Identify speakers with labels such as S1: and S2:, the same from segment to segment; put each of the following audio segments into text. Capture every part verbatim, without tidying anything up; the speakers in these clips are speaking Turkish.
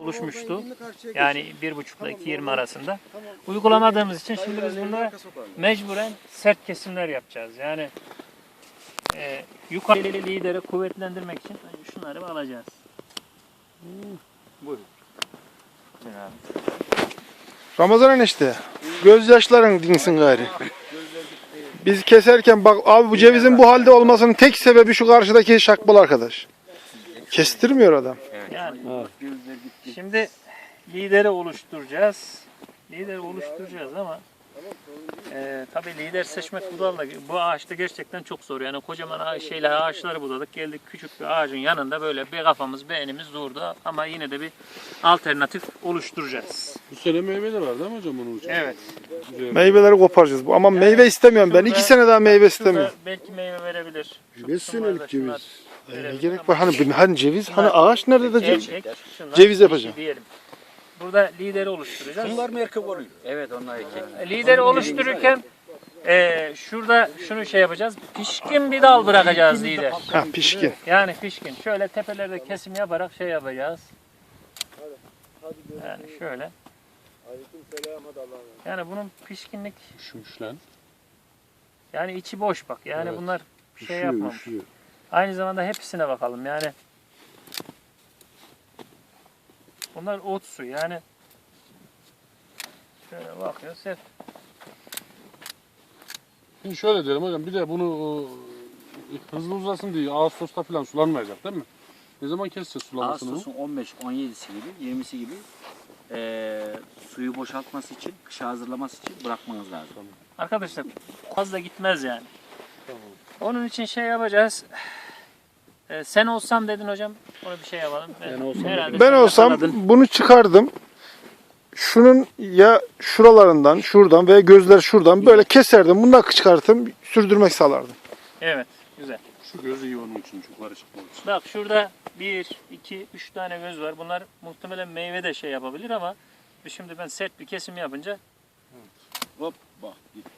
S1: oluşmuştu. Yani bir buçukla iki yirmi arasında. Uygulamadığımız için şimdi biz bunlara mecburen sert kesimler yapacağız. Yani e, yukarı lideri kuvvetlendirmek için şunları alacağız. Buyurun.
S2: Ramazan enişte, gözyaşların dinsin gayri. Biz keserken bak abi bu cevizin bu halde olmasının tek sebebi şu karşıdaki şakbal arkadaş. Kestirmiyor adam.
S1: Yani şimdi lideri oluşturacağız. Lideri oluşturacağız ama e, tabii lider seçmek budalla bu ağaçta gerçekten çok zor. Yani kocaman ağaç, şeyler ağaçları budadık. Geldik küçük bir ağacın yanında böyle bir kafamız beynimiz durdu ama yine de bir alternatif oluşturacağız.
S3: Bu sene meyveler var değil mi hocam onun için?
S1: Evet.
S3: Güzel.
S2: Meyveleri koparacağız bu. Ama
S1: Yani
S2: meyve istemiyorum ben. İki sene daha meyve istemiyorum.
S1: Şurada belki meyve verebilir. Şu
S4: Beş
S1: kısımlarda
S4: senelik
S1: şunlar
S4: ceviz.
S2: Ne
S1: verebilir
S2: gerek
S1: ama
S2: var? Hani, hani ceviz, hani ağaç nerede de ceviz?
S1: erkek, şunlar
S2: Ceviz
S1: dişi
S2: yapacağım.
S1: diyelim. Burada lideri oluşturacağız.
S5: Bunlar mı erkek oluyor? Evet onlar erkek.
S1: Lideri oluştururken e, şurada şunu şey yapacağız. Pişkin bir dal bırakacağız lider.
S2: Ha pişkin.
S1: Yani pişkin. Şöyle tepelerde kesim yaparak şey yapacağız. Yani şöyle. Yani bunun pişkinlik
S3: Üşümüş lan.
S1: yani içi boş bak. Yani
S3: Evet.
S1: bunlar bir şey
S4: Üşüyor,
S1: yapmamış.
S4: üşüyor.
S1: Aynı zamanda hepsine bakalım yani. Bunlar ot su yani. Şöyle bakıyoruz hep.
S3: Şimdi şöyle diyelim hocam bir de bunu e, hızlı uzasın diye Ağustos'ta falan sulanmayacak değil mi? Ne zaman keseceğiz sulamasını?
S5: Ağustos'un on beş on yedisi gibi, yirmisi gibi eee suyu boşaltması için, kışa hazırlaması için bırakmanız lazım.
S1: Arkadaşlar fazla gitmez yani. Onun için şey yapacağız. Ee, sen olsam dedin hocam. Onu bir şey yapalım. Ben olsam.
S2: Ben olsam bunu çıkardım. Şunun ya şuralarından, şuradan veya gözler şuradan böyle keserdim. Bunu da çıkartım, sürdürmek sağlardım.
S1: Evet. Güzel.
S3: Şu gözü iyi onun için, şu karışık olduğu için.
S1: Bak şurada bir, iki, üç tane göz var. Bunlar muhtemelen meyve de şey yapabilir ama şimdi ben sert bir kesim yapınca
S5: Hop bak gitti.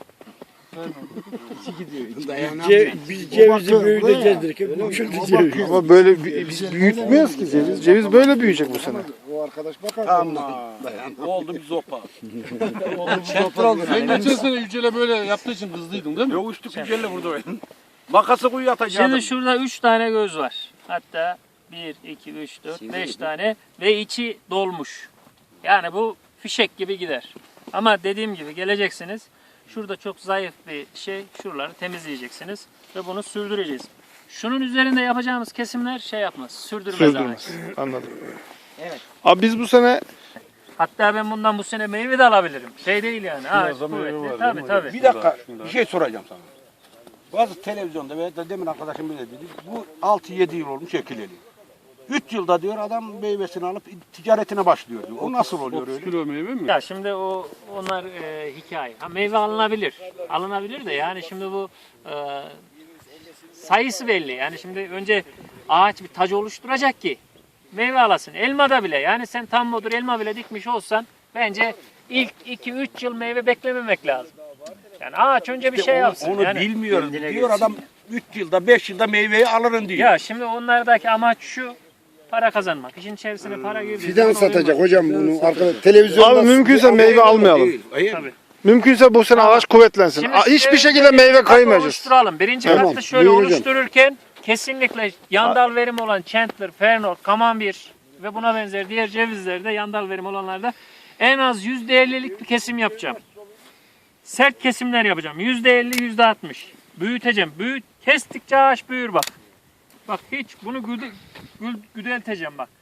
S4: Ce, biz cevizi büyüteceğiz. Küçüldü ceviz.
S2: Ama böyle bi- biz büyütmüyoruz ki ceviz. Ceviz böyle büyüyecek bu sene.
S4: O arkadaş bakar.
S5: Tamam. Oldu bir zopa.
S3: Çentr oldu. Sen geçen sene Yücel'e böyle yaptığı için kızdıydın değil mi?
S5: Yok üstü güzelle burada oyun. Makası kuyu atacaktım.
S1: şimdi şurada üç tane göz var. Hatta bir, iki, üç, dört, beş tane ve içi dolmuş. Yani bu fişek gibi gider. Ama dediğim gibi geleceksiniz. Şurada çok zayıf bir şey. Şuraları temizleyeceksiniz ve bunu sürdüreceğiz. Şunun üzerinde yapacağımız kesimler şey yapmaz. Sürdürmez.
S2: Sürdürmez.
S1: ağaç.
S2: Anladım.
S1: Evet.
S2: Abi biz bu sene
S1: Hatta ben bundan bu sene meyve de alabilirim. Şey değil yani. Ağaç
S3: da meyve
S1: kuvvetli.
S3: var,
S1: Tabii
S3: değil mi
S1: tabii.
S5: Bir dakika bir şey soracağım sana. Bazı televizyonda veya da demin arkadaşım bile dedi. Bu altı yedi yıl olmuş ekileli. üç yılda diyor adam meyvesini alıp ticaretine başlıyor diyor. O nasıl oluyor
S3: otuz
S5: öyle?
S3: kilo meyve mi?
S1: Ya şimdi o onlar e, hikaye. Ha, meyve alınabilir. Alınabilir de yani şimdi bu e, sayısı belli. Yani şimdi önce ağaç bir tacı oluşturacak ki meyve alasın. Elmada bile yani sen tam modur elma bile dikmiş olsan bence ilk iki üç yıl meyve beklememek lazım. Yani ağaç önce bir şey yapsın.
S5: Onu
S1: yani,
S5: bilmiyoruz. Diyor adam üç yılda beş yılda meyveyi alırım diyor.
S1: ya şimdi onlardaki amaç şu para kazanmak. İşin içerisine para girdiği
S4: Fidan
S1: zaman
S4: satacak
S1: olmaz.
S4: hocam bunu. Arkada televizyonda.
S2: abi mümkünse meyve almayalım.
S5: Hayır.
S1: Tabii.
S2: Mümkünse bu sene ağaç kuvvetlensin.
S1: Şimdi
S2: Aa, Hiçbir
S1: şöyle
S2: şekilde
S1: bir
S2: meyve
S1: kat
S2: kaymayacağız.
S1: oluşturalım. Birinci
S4: Tamam,
S1: katta şöyle
S4: buyur hocam.
S1: oluştururken kesinlikle yandal verim olan Chandler, Fernor, Camembert ve buna benzer diğer cevizlerde yandal verim olanlarda en az yüzde ellilik bir kesim yapacağım. Sert kesimler yapacağım. yüzde elli, yüzde altmış. Büyüteceğim. Büyüt, kestikçe ağaç büyür bak. Bak hiç bunu güde, gül, güdelteceğim bak.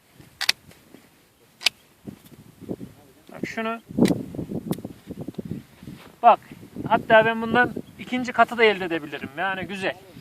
S1: Bak şunu. Bak hatta ben bundan ikinci katı da elde edebilirim. Yani güzel.